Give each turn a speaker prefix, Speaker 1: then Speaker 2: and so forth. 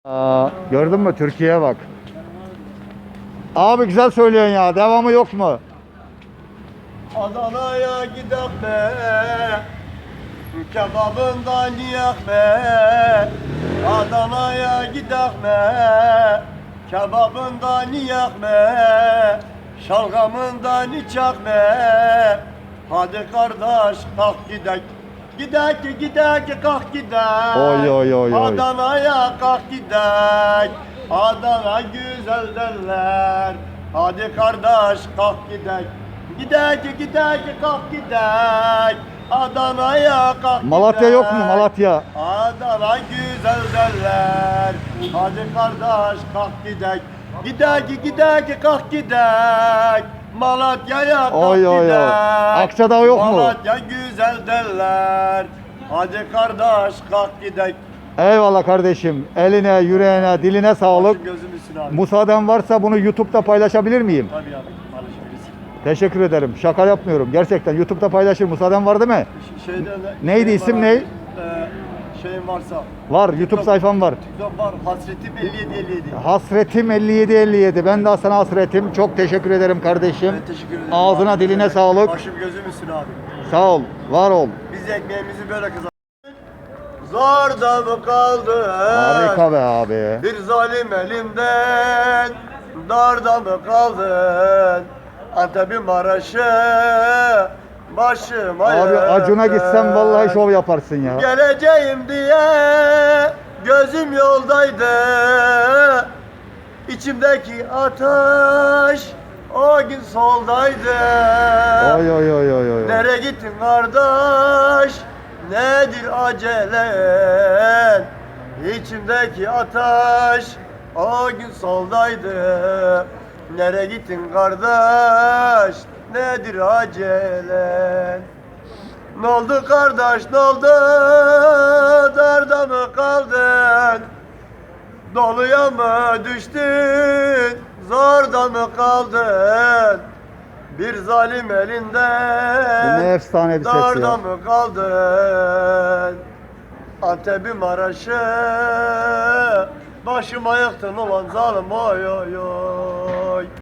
Speaker 1: Gördün mü? Türkiye'ye bak. Abi güzel söylüyorsun ya. Devamı yok mu?
Speaker 2: Adana'ya gidek be, kebabından yiyek be. Adana'ya gidek be, kebabından yiyek be. Şalgamından içek be. Hadi kardeş kalk gidek. Gidek kalk gidek.
Speaker 1: Oy, oy, oy, oy.
Speaker 2: Adana'ya kalk gidek. Adana güzel derler. Hadi kardeş kalk gidek. Gidek kalk gidek. Adana'ya kalk
Speaker 1: Malatya
Speaker 2: gidek.
Speaker 1: yok mu? Malatya.
Speaker 2: Adana güzel derler. Hadi kardeş kalk gidek. Gidek kalk gidek. Malatya'ya kalk
Speaker 1: Oy, oy, oy.
Speaker 2: gidek.
Speaker 1: Akçadağ yok mu?
Speaker 2: Malatya güzel derler. Hadi kardeş kalk gidek.
Speaker 1: Eyvallah kardeşim. Eline, yüreğine, diline sağlık.
Speaker 2: Gözüm üstüne abi.
Speaker 1: Müsaaden varsa bunu YouTube'da paylaşabilir miyim?
Speaker 2: Tabii abi. Paylaşabilirsin.
Speaker 1: Teşekkür ederim. Şaka yapmıyorum. Gerçekten YouTube'da paylaşır. Müsaaden var değil mi? Neydi, isim ne?
Speaker 2: Şeyin varsa.
Speaker 1: Var. YouTube sayfam var.
Speaker 2: TikTok var. Hasretim 57.
Speaker 1: Hasretim 5757. Ben de sana hasretim. Çok teşekkür ederim kardeşim.
Speaker 2: Ben teşekkür ederim.
Speaker 1: Ağzına
Speaker 2: Abi,
Speaker 1: diline sağlık.
Speaker 2: Başım gözüm üstüne abi.
Speaker 1: Sağ ol. Var ol.
Speaker 2: Biz ekmeğimizi böyle kazandık. Zor da mı kaldı?
Speaker 1: Harika be abi.
Speaker 2: Bir zalim elimden darda mı kaldın? Antep'in Maraş'ı başıma
Speaker 1: Abi Acun'a gitsen vallahi şov yaparsın ya.
Speaker 2: Geleceğim diye gözüm yoldaydı. İçimdeki ateş o gün soldaydı.
Speaker 1: Oy oy oy oy oy.
Speaker 2: Nereye gittin kardeş? Nedir acelen? İçimdeki ateş o gün soldaydı. Nereye gittin kardeş? Nedir acelen? Ne oldu kardeş, ne oldu? Darda mı kaldın? Doluya mı düştün? Zorda mı kaldın? Bir zalim
Speaker 1: Bu
Speaker 2: elinden
Speaker 1: ne efsane bir ses
Speaker 2: darda
Speaker 1: ya.
Speaker 2: mı kaldın? Antep'i Maraş'ı başıma yıktın ulan zalim oy oy oy.